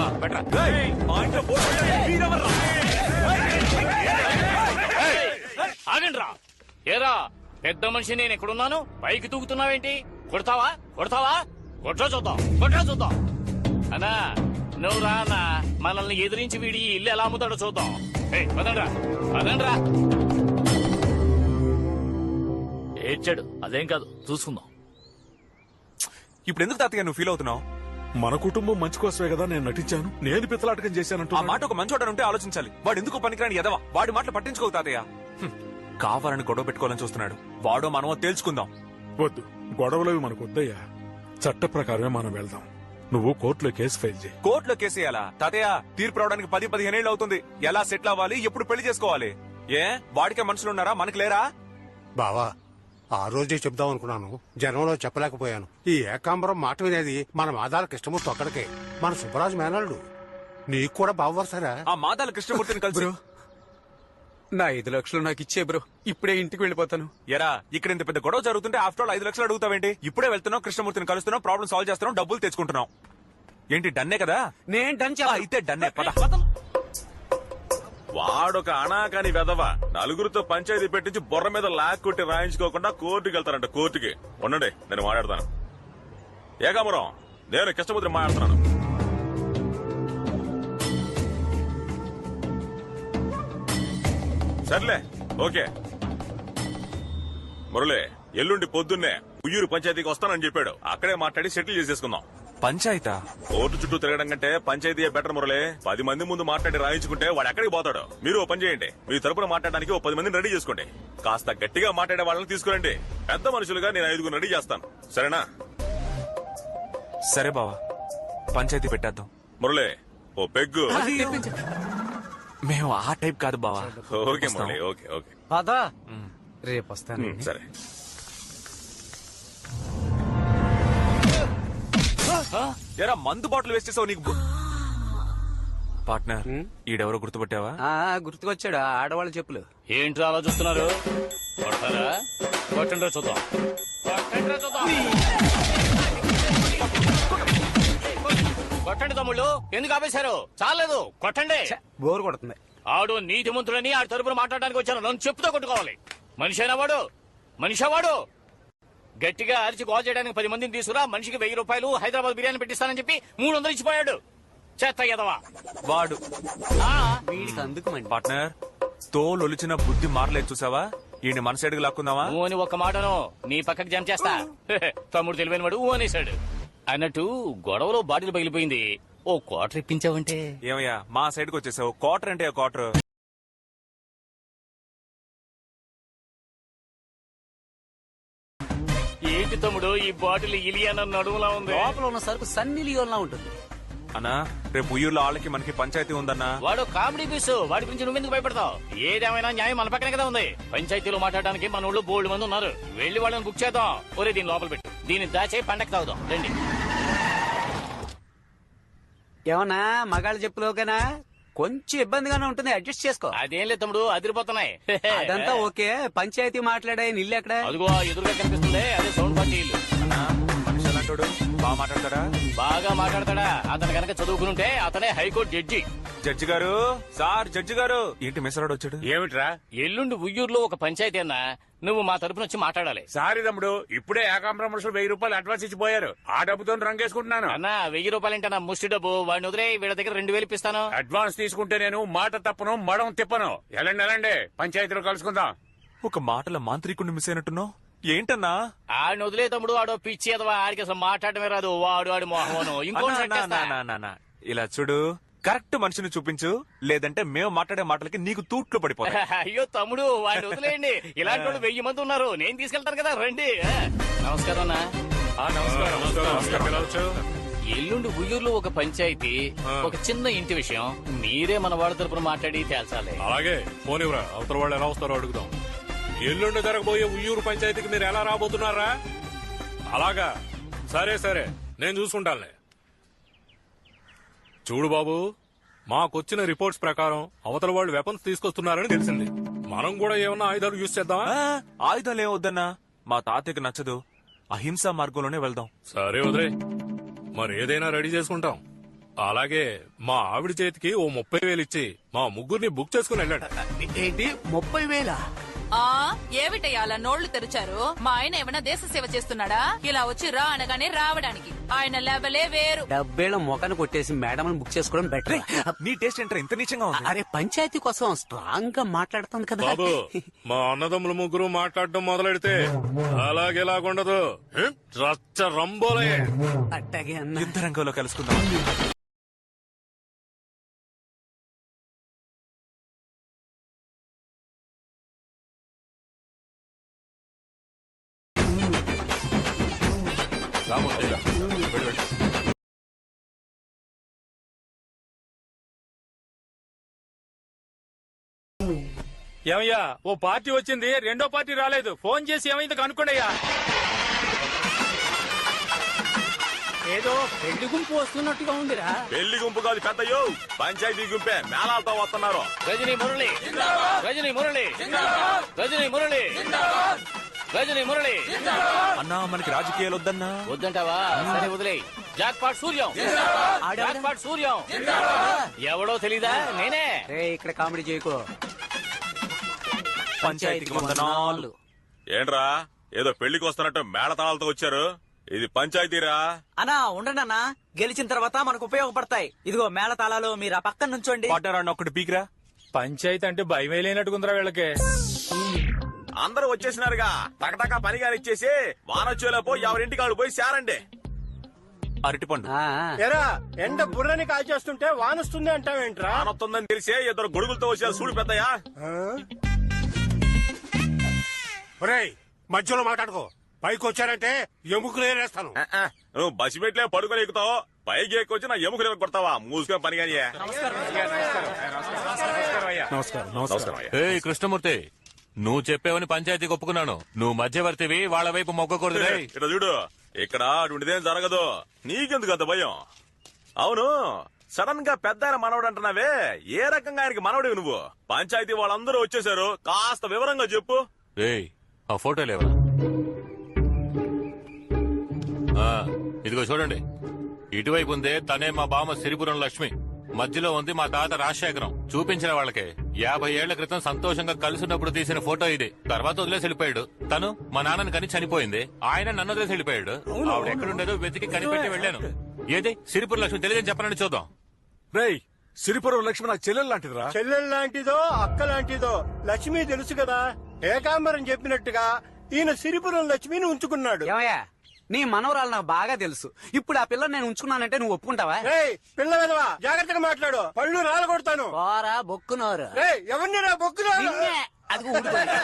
ఆగండ్రా. ఏరా పెద్ద మనిషి నేను ఎక్కడున్నాను పైకి తూగుతున్నావేంటి? కొడతావా కొడతావా? కొట్రా చూద్దాం అన్నా. నువ్వు రానా మనల్ని ఎదిరించి వీడి ఇల్లు ఎలా అమ్ముతాడో చూద్దాం. పదండ్రా. ఏడ్చాడు, అదేం కాదు, చూసుకుందాం. ఇప్పుడు ఎందుకు తాతయ్య నువ్వు ఫీల్ అవుతున్నావు? మన కుటుంబం మంచి కోసమే కదా నేను నటించాను. నేను పిత్తలాటకం చేశానంటూ ఆ మాట ఒక మంచోడనుంటే ఆలోచించాలి. వాడు ఎందుకు పనికిరాని ఎదవా? వాడి మాటలు పట్టించుకోవు తాతయ్య. కావాలని గొడవ పెట్టుకోవాలని చూస్తున్నాడు. వాడో మనమో తేల్చుకుందాం. వద్దు, గొడవలవి మనకు వద్దయ్యా. చట్ట ప్రకారమే మనం వెళ్దాం. నువ్వు కోర్టులో కేసు ఫైల్ చేయి. కోర్టులో కేసు వేయాలా తాతయ్య? తీర్పు రావడానికి 10-15 ఏళ్ళు అవుతుంది. ఎలా సెటిల్ అవ్వాలి? ఎప్పుడు పెళ్లి చేసుకోవాలి? ఏ వాడికే మనుషులున్నారా? మనకి లేరా? బావా, ఆ రోజే చెప్దాం అనుకున్నాను, జనంలో చెప్పలేకపోయాను. ఈ ఏకాంబరం మాట వినేది మన మాదాల కృష్ణమూర్తి ఒక్కడికే. మన సుబ్బరాజు మేనల్లుడు. నీకు కూడా బావవరసారా? ఆ మాదాల కృష్ణమూర్తిని కలిసి నా 5 లక్షలు నాకు ఇచ్చే బ్రో, ఇప్పుడే ఇంటికి వెళ్ళిపోతాను. ఎరా ఇక్కడ ఇంత పెద్ద గొడవ జరుగుతుంటే ఆఫ్టర్ ఆల్ 5 లక్షలు అడుగుతావేంటి? ఇప్పుడే వెళ్తున్నావు, కృష్ణమూర్తిని కలుస్తున్నావు, ప్రాబ్లం సాల్వ్ చేస్తున్నావు, డబ్బులు తెచ్చుకుంటున్నావు. ఏంటి డన్నే కదా? నేను డన్ అయితే డన్నే పద. వాడొక అనాకాని వెదవ నలుగురితో పంచాయతీ పెట్టించి బొర్ర మీద లాక్ కొట్టి రాయించుకోకుండా కోర్టుకి వెళ్తారంట. కోర్టుకి ఉండండి, నేను మాట్లాడతాను. ఏకాంబరం, నేను కృష్ణమూర్తిని మాట్లాడుతున్నాను. సర్లే, ఓకే. మురళి ఎల్లుండి పొద్దున్నే ఉయ్యూరు పంచాయతీకి వస్తానని చెప్పాడు. అక్కడే మాట్లాడి సెటిల్ చేసేసుకుందాం. పంచాయతా? కోర్టు చుట్టూ తిరగడం కంటే పంచాయతీ బెటర్ మురళి. 10 మంది ముందు మాట్లాడి రాయించుకుంటే వాడు ఎక్కడికి పోతాడు. మీరు ఓ పని చేయండి, మీ తరపున మాట్లాడడానికి 10 మందిని రెడీ చేసుకోండి. కాస్త గట్టిగా మాట్లాడే వాళ్ళని తీసుకురండి. పెద్ద మనుషులుగా నేను 5 రెడీ చేస్తాను, సరేనా? సరే బావా, పంచాయతీ పెట్టేద్దాం. మురళి ఓ పెగ్గు. మేము ఆ టైప్ కాదు బావా. Okay Murali, okay okay. పదా రేపు వస్తాను. సరే. ఎరా మందు బాటిల్ వేస్ట్ చేసావు నీకు. పార్ట్నర్, ఈడెవరో గుర్తుపట్టావా? గుర్తుకొచ్చాడు, ఆడవాళ్ళ చెప్పులు. ఏంట్రా అలా చూస్తున్నారు? కొడతారా? కొట్టండి చూద్దాం. కొట్టండి తమ్ముళ్ళు, ఎందుకు ఆపేశారు? చాలేదు, కొట్టండి. బోరు కొడుతుంది. ఆడు నీతిమంతుడని ఆడి తరపున మాట్లాడడానికి వచ్చాను. నన్ను చెప్పుతో కొట్టుకోవాలి. మనిషైనా వాడు? మనిషా వాడు? గట్టిగా అరిచి గోల్ చేయడానికి 10 మందిని తీసుకురా. మనిషికి 1000 రూపాయలు హైదరాబాద్ బిర్యానీ పెట్టిస్తానని చెప్పి 300 ఇచ్చిపోయాడు. చెత్త ఎదవా వాడు. వీడికి అందుకు పార్ట్నర్, తోలొలిచిన బుద్ధి మారలేదు చూసావా? ఈయన మన సైడ్కి లాక్కుందావా? ఊ అని ఒక్క మాటను నీ పక్కకి జంప్ చేస్తా. తమ్ముడు తెలివైన వాడు ఊ అనేశాడు. అన్నట్టు గొడవలో బాటిల్ పగిలిపోయింది. ఓ క్వార్టర్ ఇప్పించావంటే? ఏమయ్యా మా సైడ్కి వచ్చేసావు? క్వార్టర్ అంటే క్వార్టర్. ఏంటి తమ్ముడు ఈ బాటిల్ ఇలియాన నడుములా ఉంది? లోపల ఉన్న సరుకు సన్నీ లియోన్లా ఉంటుంది. అన్నా, రేపు ఉయ్యూరులో వాళ్ళకి మనకి పంచాయతీ ఉందన్నా. వాడు కామెడీ పీసు, వాడి గురించి నువ్వెందుకు భయపడతావు? ఏదేమైనా న్యాయం మన పక్కనే కదా ఉంది. పంచాయతీలో మాట్లాడడానికి మన ఊళ్ళో బోల్డ్ మంది ఉన్నారు. వెళ్లి వాళ్ళని బుక్ చేద్దాం. ఒరే దీని లోపల పెట్టు, దీన్ని దాచే పండగ తాగుదాం రండి. ఏమన్నా మగాళ్ళ చెప్పులోకేనా? కొంచెం ఇబ్బందిగానే ఉంటుంది, అడ్జస్ట్ చేసుకో. అదేం లేదు తమ్ముడు, అదిరిపోతున్నాయి. అదంతా ఓకే. పంచాయతీ మాట్లాడే ఇల్లు ఎక్కడ? అదిగో ఎదురుగా కనిపిస్తుంది, అదే సౌండ్ పార్టీ ఇల్లు. మనిషి అలాంటోడు బాగా మాట్లాడతాడా? బాగా మాట్లాడతాడా? అతను కనుక చదువుకునుంటే అతనే హైకోర్టు జడ్జి. జడ్జి గారు, సార్ జడ్జి గారు. ఏంటి మెసరాడు వచ్చాడు? ఏమిట్రా? ఎల్లుండి ఉయ్యూరులో ఒక పంచాయతీ అన్నా, నువ్వు మా తరపున వచ్చి మాట్లాడాలి. సారీ తమ్ముడు, ఇప్పుడే ఏకాంబరం మనుషులు 1000 రూపాయలు అడ్వాన్స్ ఇచ్చిపోయారు. ఆ డబ్బుతో రంగేసుకుంటున్నాను. అన్నా 1000 రూపాయలంటే నా ముష్టి డబ్బు. వాడిని వదిలే, వీళ్ళ దగ్గర 2000 ఇప్పిస్తాను. అడ్వాన్స్ తీసుకుంటే నేను మాట తప్పను, మడం తిప్పను. ఎలాండి పంచాయతీలో కలుసుకుందాం. ఒక మాటల మాంత్రికుడిని మిస్ అయినట్టున్నావు. ఏంటన్నా? ఆడిని వదిలే తమ్ముడు, ఆడో పిచ్చి ఎదవా, ఆడికి అసలు మాట్లాడమే రాదు. వాడు మోహను ఇంకో ఇలా చూడు, కరెక్ట్ మనిషిని చూపించు, లేదంటే మేము మాట్లాడే మాటలకి నీకు తూట్లు పడిపోతాయి. అయ్యో తమ్ముడు, వాడిని వదిలేయండి. ఇలాంటి వాళ్ళు 1000 మంది ఉన్నారు, నేను తీసుకెళ్తాను కదా, రండి. నమస్కారం అన్నా. ఎల్లుండి ఉయ్యూరులో ఒక పంచాయతీ, ఒక చిన్న ఇంటి విషయం. మీరే మన వాళ్ళ తరపున మాట్లాడి తేల్చాలి. అలాగే పోనివరా, అవతల వాళ్ళు ఎలా వస్తారో అడుగుదాం. ఎల్లుండి జరగబోయే ఉయ్యూరు పంచాయతీకి మీరు ఎలా రాబోతున్నారా? అలాగా, సరే నేను చూసుకుంటానులే. చూడు బాబు, మాకొచ్చిన రిపోర్ట్స్ ప్రకారం అవతల వాళ్ళు వెపన్స్ తీసుకొస్తున్నారని తెలిసింది. మనం కూడా ఏమన్నా ఆయుధాలు యూజ్ చేద్దామా? ఆయుధాలు ఏమొద్దన్నా, మా తాతయ్యకి నచ్చదు. అహింసా మార్గంలోనే వెళ్దాం. సరే వదిలే, మరి ఏదైనా రెడీ చేసుకుంటాం. అలాగే మా ఆవిడ చేతికి ఓ 30,000 ఇచ్చి మా ముగ్గురిని బుక్ చేసుకుని వెళ్ళండి. ఏంటి 30,000? ఆ ఏమిటయ్యా అలా నోళ్లు తెరిచారు? మా ఆయన ఏమైనా దేశ సేవ చేస్తున్నాడా? ఇలా వచ్చి రా అనగానే రావడానికి ఆయన లెవెలే వేరు. 70,000 మొఖాన్ని కొట్టేసి మేడం బుక్ చేసుకోవడం బెటర్. నీ టేస్ట్ ఏంట్రా ఇంత నీచంగా ఉంది? అరే పంచాయతీ కోసం స్ట్రాంగ్ గా మాట్లాడుతుంది కదా. బాబు మా అన్నదమ్ములు ముగ్గురు మాట్లాడటం మొదలెడితే అలాగేలాగుండదు. రచ్చ రంబోలే. అట్టాగే అన్న. యుద్ధ రంగంలో కలుసుకుందాం. ఏమయ్యా ఓ పార్టీ వచ్చింది, రెండో పార్టీ రాలేదు. ఫోన్ చేసి ఏమైంది కనుక్కోండియ్యా. ఏదో పెళ్లి గుంపు వస్తున్నట్టుగా ఉందిరా. పెళ్లి గుంపు కాదు పెద్దయ్యో, పంచాయతీ గుంపే మేళాలతో వస్తున్నారు. రజనీ మురళి, రజనీ మురళి, రజనీ మురళి, రజనీ మురళి. అన్నా మనకి రాజకీయాలు వద్దన్నా. వద్దంటావా? సరే వదిలే. Jackpot Suryam, jackpot Suryam. ఎవడో తెలీదా? నేనే. రే ఇక్కడ కామెడీ చేయకు. పంచాయతీకి వందనాలు. ఏంట్రా ఏదో పెళ్లికి వస్తున్నట్టు మేళతాళాలతో వచ్చారు? ఇది పంచాయతీరా? అన్నా ఉండండి అన్నా, గెలిచిన తర్వాత మనకు ఉపయోగపడతాయి. ఇదిగో మేళ తాళాలు, మీరు ఆ పక్కన నుంచోండి. పడ్డారన్న ఒకటి పీకిరా. పంచాయతీ అంటే భయమే లేనట్టుకుందిరా వీళ్ళకి. అందరూ వచ్చేసినారుగా, టకటకా పనిగా ఇచ్చేసి వానొచ్చేలోపు ఎవరింటికి వాళ్ళు పోయి శారండి. అరటిపండు. ఎరా ఎండ బుర్రని కాల్చేస్తుంటే వానొస్తుంది అంటావేంట్రా? వానొస్తుందని తెలిసే ఇద్దరు గొడుగులతో వచ్చారు. చూడు పెద్దయ్యా. ఒరేయ్ మధ్యలో మాట్లాడుకో. పైకి వచ్చారంటే ఎముకలు ఏరేస్తాను. నువ్వు బసి పెట్లే పడుకొని ఎక్కుతావు, పైకి ఎక్కువచ్చి నా ఎముకలు కొడతావా? మూసుకొని పని కానీ. నమస్కారం అయ్యా. ఏ కృష్ణమూర్తి, నువ్వు చెప్పేవని పంచాయతీకి ఒప్పుకున్నాను. నువ్వు మధ్యవర్తివి, వాళ్ళ వైపు మొగ్గకూడదు. ఇక్కడ చూడు, ఇక్కడ అటువంటిదేం జరగదు. నీకెందుకు అంత భయం? అవును, సడన్ గా పెద్ద ఆయన మనవడు అంటున్నావే, ఏ రకంగా ఆయనకి మనవడివి నువ్వు? పంచాయతీ వాళ్ళందరూ వచ్చేసారు, కాస్త వివరంగా చెప్పు. ఏయ్ ఆ ఫోటో లేవా? ఇదిగో చూడండి, ఇటువైపు ఉందే తనే మా బామ్మ సిరిపురం లక్ష్మి, మధ్యలో ఉంది మా తాత రాజశేఖరం. చూపించిన వాళ్ళకి 50 ఏళ్ల క్రితం సంతోషంగా కలిసినప్పుడు తీసిన ఫోటో ఇది. తర్వాత వదిలేసి వెళ్ళిపోయాడు. తను మా నాన్నని కని చనిపోయింది, ఆయన నన్ను వదిలేసి వెళ్ళిపోయాడు. ఆవిడ ఎక్కడుండేదో వెతికి కనిపెట్టి వెళ్ళాను. ఏది సిరిపురం లక్ష్మి తెలియదని చెప్పనని చూద్దాం. రేయ్ సిరిపురం లక్ష్మి నాకు చెల్లెలు లాంటిదిరా. చెల్లెలు లాంటిదో అక్క లాంటిదో లక్ష్మి తెలుసు కదా. ఏకాంబరం చెప్పినట్టుగా ఈయన సిరిపురం లక్ష్మిని ఉంచుకున్నాడు. ఏమయ్యా నీ మనవరాలు నాకు బాగా తెలుసు. ఇప్పుడు ఆ పిల్లని నేను ఉంచుకున్నానంటే నువ్వు ఒప్పుకుంటావా? పిల్ల విధవా, జాగ్రత్తగా మాట్లాడు, పళ్ళు రాలు కొడతాను. పోరా బొక్కునోరు. ఎవరిని రా బొక్కునోరు? అది ఊడిపోయింది.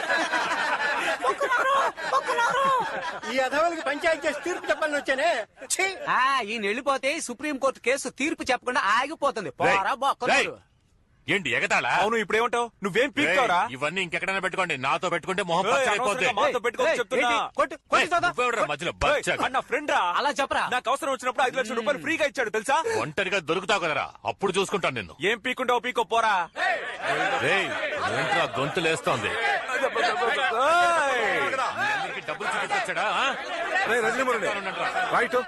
ఈ అధవలకి పంచాయతీ చేసి తీర్పు చెప్పాలని వచ్చానే. ఛీ! ఈయన వెళ్ళిపోతే సుప్రీంకోర్టు కేసు తీర్పు చెప్పకుండా ఆగిపోతుంది. పోరా బొక్కునోరు. ఏంటి ఎగతాళా? అవును ఇప్పుడేమంటావు? నువ్వేం పీక్తావురా? ఇవన్నీ ఇంకెక్కడైనా పెట్టుకోండి, నాతో పెట్టుకుంటే మొహం పచ్చడైపోద్ది. మాతో పెట్టుకోవచ్చు చెప్తున్నా. నువ్వెవడురా మధ్యలో బచ్చ? అన్న ఫ్రెండ్ రా. అలా చెప్పరా. నాకు అవసరం వచ్చినప్పుడు 5 లక్షల రూపాయలు ఫ్రీగా ఇచ్చాడు తెలుసా? ఒంటరిగా దొరుకుతావు కదరా, అప్పుడు చూసుకుంటాను నిన్ను. ఏం పీకుంటావు పీకో పోరా. రేయ్ ఏంట్రా గొంతులేస్తోంది? అందరికీ డబ్బులు చూపించాడా? రైట్,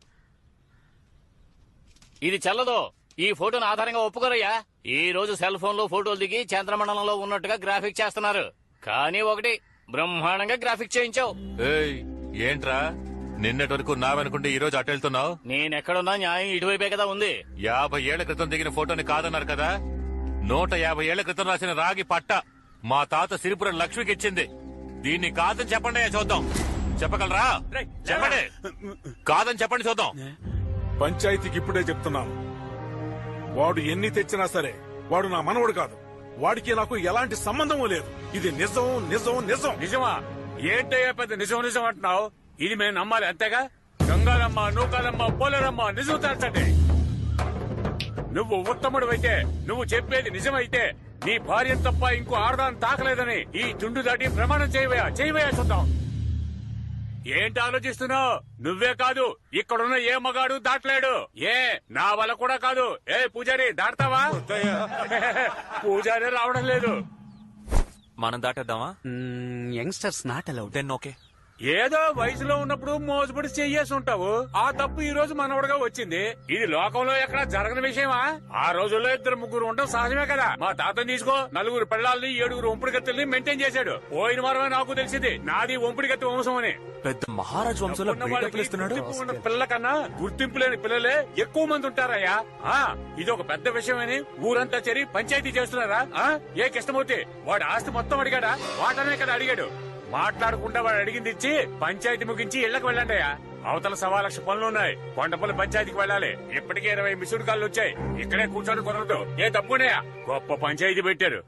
ఇది చెల్లదు. ఈ ఫోటోను ఆధారంగా ఒప్పుకోరయ్యా. ఈ రోజు సెల్ ఫోన్ లో ఫోటోలు దిగి చంద్రమండలంలో ఉన్నట్టుగా గ్రాఫిక్ చేస్తున్నారు. కానీ ఒకటి బ్రహ్మాండంగా గ్రాఫిక్ చేయించావు. ఏయ్ ఏంట్రా నిన్నటి వరకు నావనుకుంటే ఈ రోజు అటు వెళ్తున్నావు? నేనెక్కడున్నా న్యాయం ఇటువైపే కదా ఉంది. 50 ఏళ్ల క్రితం దిగిన ఫోటోని కాదన్నారు కదా. 150 ఏళ్ల క్రితం రాసిన రాగి పట్ట మా తాత సిరిపురం లక్ష్మికి ఇచ్చింది. దీన్ని కాదని చెప్పండి చూద్దాం. చెప్పగలరా? చెప్పండి. కాదని చెప్పండి చూద్దాం. పంచాయతీకి ఇప్పుడే చెప్తున్నాను, వాడు ఎన్ని తెచ్చినా సరే వాడు నా మనవడు కాదు. వాడికి నాకు ఎలాంటి సంబంధము లేదు. ఇది నిజం నిజం నిజం. నిజమా? ఏంటయ్యా పెద్ద నిజం నిజం అంటున్నావు? ఇది మేము నమ్మాలి అంతేగా? గంగారమ్మ, నూకాలమ్మ, పోలేరమ్మ నిజం తెచ్చండి. నువ్వు ఉత్తముడు నువ్వు చెప్పేది నిజమైతే నీ భార్య తప్ప ఇంకో ఆడదాన్ని తాకలేదని ఈ తుండు దాటి ప్రమాణం చేయవయా చూద్దాం. ఏంటి ఆలోచిస్తున్నావు? నువ్వే కాదు, ఇక్కడున్న ఏ మగాడు దాటలేడు. నా వల్ల కూడా కాదు. పూజారి దాటతావా? పూజారి రావడం లేదు. మనం దాటేద్దామా? Youngsters not allowed. Then okay. ఏదో వయసులో ఉన్నప్పుడు మోసపడి చెయ్యేసి ఉంటావు. ఆ తప్పు ఈ రోజు మనవడగా వచ్చింది. ఇది లోకంలో ఎక్కడ జరగని విషయమా? ఆ రోజుల్లో 2-3 ఉండడం సహజమే కదా. మా తాతని తీసుకో, 4 పిల్లల్ని 7 ఒంపుడిగత్తెల్ని మెయింటైన్ చేశాడు. పోయిన వారమే నాకు తెలిసింది నాది ఒంపుడిగత్తె వంశం అని. పెద్ద మహారాజ్ వంశంలో ఉన్న వాళ్ళకి బిల్డప్లు ఇస్తున్నాడు. గుర్తింపు ఉన్న పిల్లల కన్నా గుర్తింపు లేని పిల్లలే ఎక్కువ మంది ఉంటారయ్యా. ఇది ఒక పెద్ద విషయమని ఊరంతా చేరి పంచాయతీ చేస్తున్నారా? ఏ కృష్ణమూర్తి వాడు ఆస్తి మొత్తం అడిగాడా? వాటనే కదా అడిగాడు. మాట్లాడకుండా వాడు అడిగింది ఇచ్చి పంచాయతీ ముగించి ఇళ్లకు వెళ్ళండియా. అవతల 1,00,000 పనులున్నాయి. కొండపల్లి పంచాయతీకి వెళ్ళాలి. ఇప్పటికే 20 మిస్డ్ కాళ్ళు వచ్చాయి. ఇక్కడే కూర్చొని కుదరదు. ఏ తప్పునేయా? గొప్ప పంచాయతీ పెట్టారు.